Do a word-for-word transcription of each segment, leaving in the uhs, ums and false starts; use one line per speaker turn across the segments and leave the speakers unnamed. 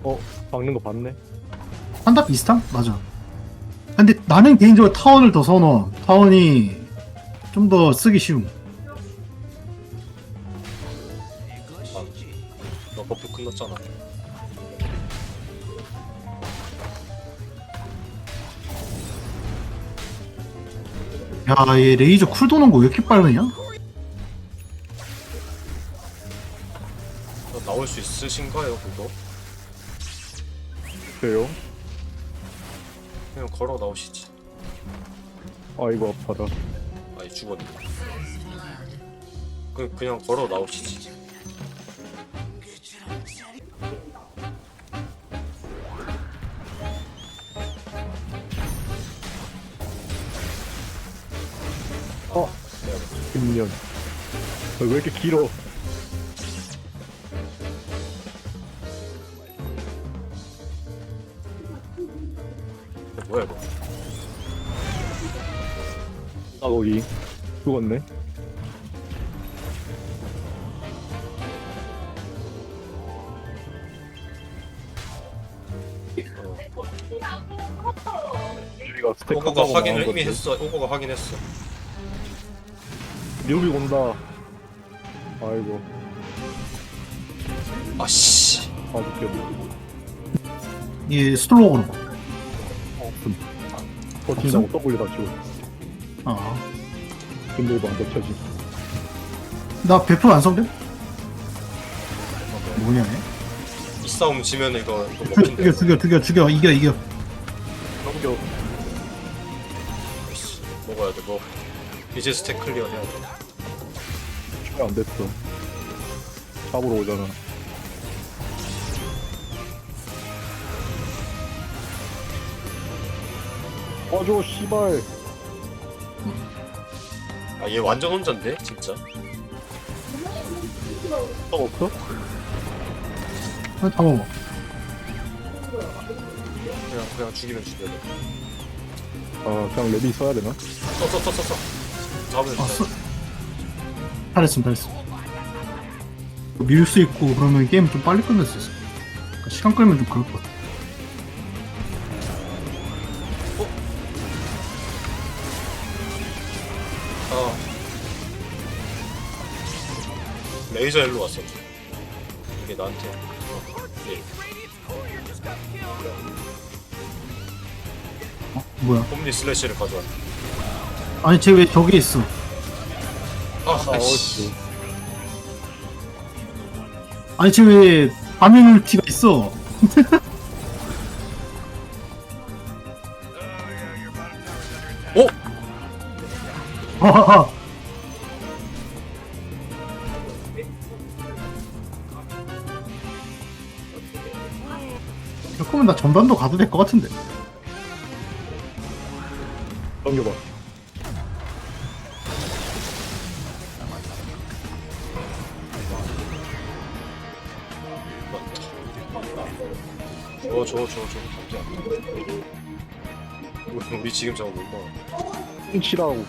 어, 박는 거 봤네.
한답 비슷함? 맞아. 근데 나는 개인적으로 타원을 더 선호. 타원이 좀 더 쓰기 쉬움.
너 버프 끝났잖아.
야, 얘 레이저 쿨 도는 거 왜 이렇게 빠르냐?
너 나올 수 있으신가요, 그거?
그래요?
그냥 걸어 나오시지.
아이고, 아파라.
아니 죽었네. 그 그냥 걸어 나오시지.
어, 김년. 왜 이렇게 길어?
뭐야 이거?
아, 거기. 죽었네. 우리가 스택
오고가
하자고
확인을
나온
이미
건데.
했어. 오고가 확인했어.
류비 온다. 아이고,
아씨.
아, 느꼈네.
얘 스톨로 오는 거.
어, 음. 버틴다고 W 다 치고.
아.
근데 이거 안 덮쳐지.
나 백 퍼센트 완성돼? 뭐냐, 얘?
이 싸움 지면 이거 이거
죽여,
먹힌다.
죽여, 죽여, 죽여. 이겨, 이겨.
넘겨.
씨, 먹어야 돼. 뭐 이제 스택 클리어 해야 돼.
안 됐어. 잡으러 오잖아. 꺼줘, 씨발.
아 얘 완전 혼잔데 진짜.
또 없어?
아, 다 먹어.
그냥 그냥 죽이면 죽여야 돼.
아, 그냥 레비 써야 되나?
써써써써 잡으면
아,
돼.
써. 잘했음, 잘했음. 밀 수 있고 그러면 게임 좀 빨리 끝낼 수 있어. 그러니까 시간 끌면 좀 그럴 것 같아.
아 레이저 일로 왔어. 이게 나한테. 어, 예.
어? 뭐야?
홈리 슬래시를 가져왔네.
아니, 쟤 왜 저기 있어?
아,
아,
아이씨.
어찌.
아니, 쟤 왜 밤의 울티가 있어?
어?
하하하. 이럴 거면 나 전반도 가도 될 것 같은데.
넘겨봐.
저, 저, 저, 저, 감자. 우리, 우리 지금 저거 못 먹어.
훔치라고.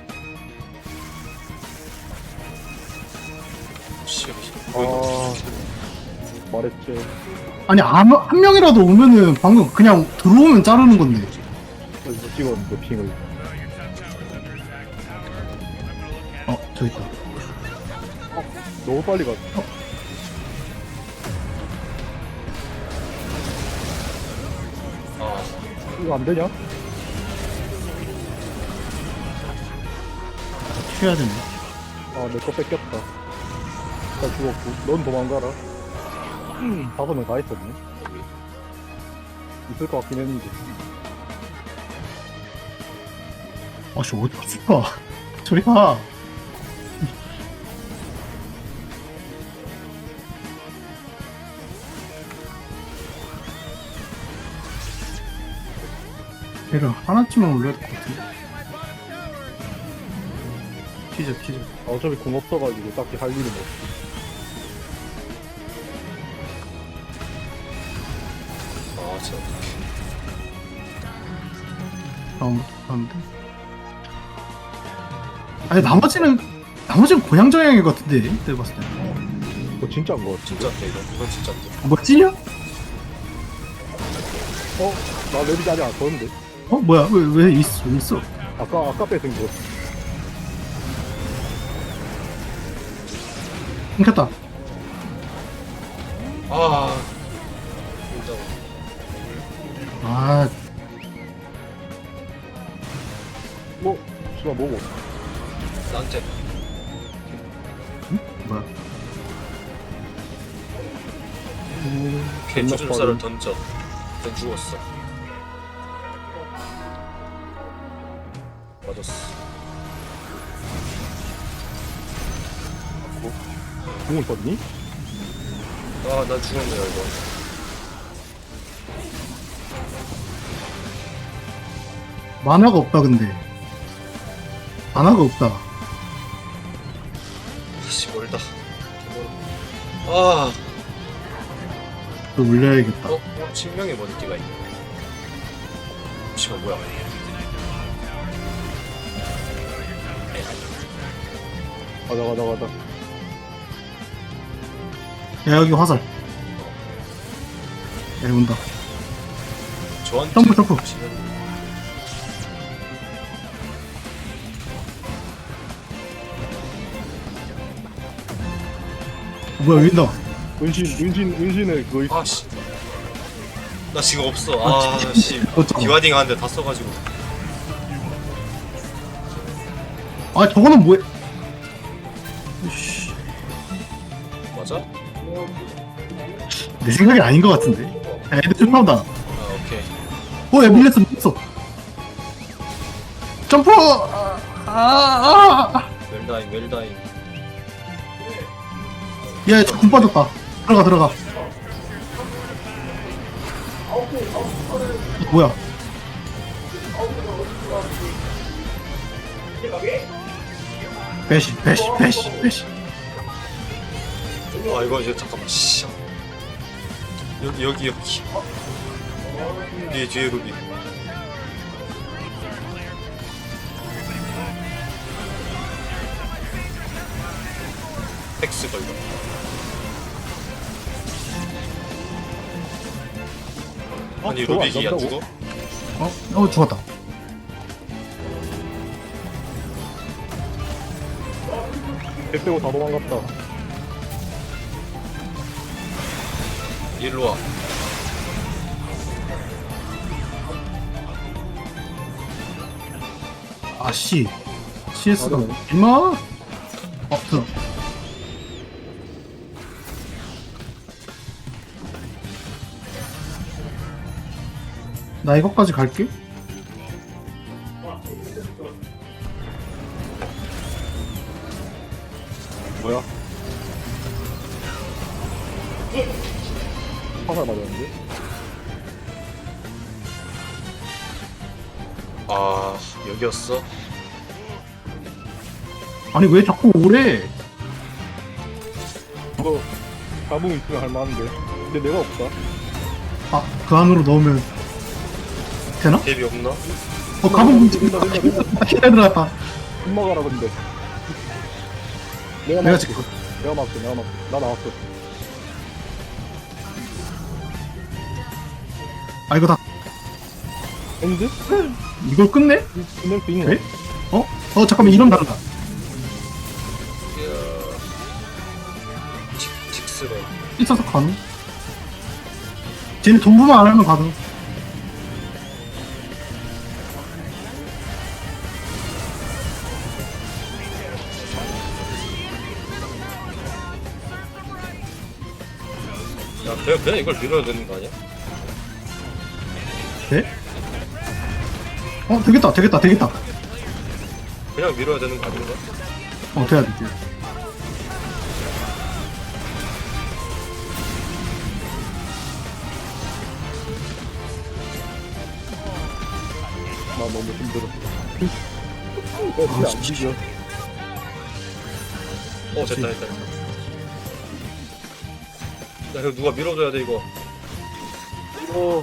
씨, 씨.
아, 말했지.
아니, 한, 한 명이라도 오면은 방금 그냥 들어오면 자르는 건데.
이거 찍었는데, 핑을.
어, 저기 있다.
너무 빨리 갔.
아,
이거 안 되냐?
쉬어야 되네.
아, 내 거 뺏겼다. 나 죽었고. 넌 도망가라. 음, 다섯 명 다 있었네. 있을 것 같긴 했는데.
아, 씨, 어디 갔을까? 저리 가. 걔를 하나쯤은 올려야 될 것 같은데. 튀자, 튀자.
아, 어차피 공 없어가지고 딱히 할 일은 없어.
아, 진짜.
다음부터 하는데. 아니, 나머지는, 나머지는 고향 정향일 것 같은데, 내가 봤을 때.
이거 진짜인 거 같아.
진짜인데, 이거. 이건 진짜인데.
뭐, 찌냐?
어? 나 레비지 아직 안 썼는데.
어 뭐야 왜 왜 있어 왜 있어?
아까 아까 뺏은 거.
끊겼다.
아 진짜
아
뭐? 씨발 뭐고?
낭째.
뭐야?
음,
걔 주름살을 던져. 넌 죽었어. 맞았어.
공을 썼니?
아, 난 죽었네요 이거.
만화가 없다 근데. 만화가 없다.
아씨 멀다. 아,
또 올려야겠다.
어? 어? 신명의 머리띠가 있네. 씨발 뭐야?
가자 가자 가자.
야 여기 화살. 야 온다.
저한테
점프, 점프.
지금
뭐야 여기 있다.
은신 은신 은신의 그거 있...
아씨. 나 지금 없어. 아, 씨.
어쩌고.
기와딩 하는데 다 써가지고.
아 저거는 뭐야? 씨,
맞아?
내 생각이 아닌 것 같은데. 야, 애들 출파한다.
아, 오케이.
어, 야 밀렸어 밀렸어. 점프. 아, 아, 아.
웰다잉, 웰다잉.
야, 저군 빠졌다. 들어가 들어가. 뭐야? 배시 배시 배시 배시.
아, 이거 이제 잠깐만. 씨. 여기 여기 여기. 뒤에 뒤에 루비. 텍스 걸려. 아니
저거 안
루빅이 안
간다고?
죽어?
어? 어 죽었다.
배 빼고 다 도망갔다.
일로 와.
아씨. 씨에스가
맞아.
임마. 어 들어. 나 이거까지 갈게.
뭐야? 화살 맞았는데?
아, 여기였어?
아니 왜 자꾸 오래?
이거 가봉 있으면 할만한데. 근데 내가 없다.
아 그 안으로 넣으면 되나?
갭이 없나?
어 가본 문제
된다 된다 된다.
기대 들어갔다.
금마 가라 근데. 내가
내가
막을게.
지금
내가 막을게 내가 막을게. 나 나왔어.
아 이거 다
엔드?
이걸 끝내?
끝낼 수 있나?
네? 어? 어 잠깐만 이름 다르다.
이야. 직, 직스런.
있어서 가능? 쟤네 돈부만 안 하면 가능.
야, 그냥, 그냥 이걸 밀어야 되는 거 아니야?
돼? 어 되겠다 되겠다 되겠다.
그냥 밀어야 되는 거 아닌가?
어 돼야 돼. 돼.
나 너무 힘들어. 야, 진짜 안 뒤져.
어, 됐다, 됐다, 됐다. 야, 이거 누가 밀어줘야 돼, 이거.
어,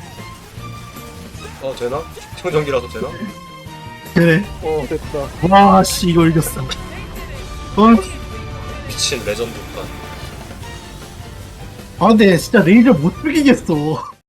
어, 되나? 청정기라서 되나?
그래.
어, 됐다.
와씨 이거 이겼어. 어,
미친 레전드 판.
아 근데 진짜 레이저 못 죽이겠어.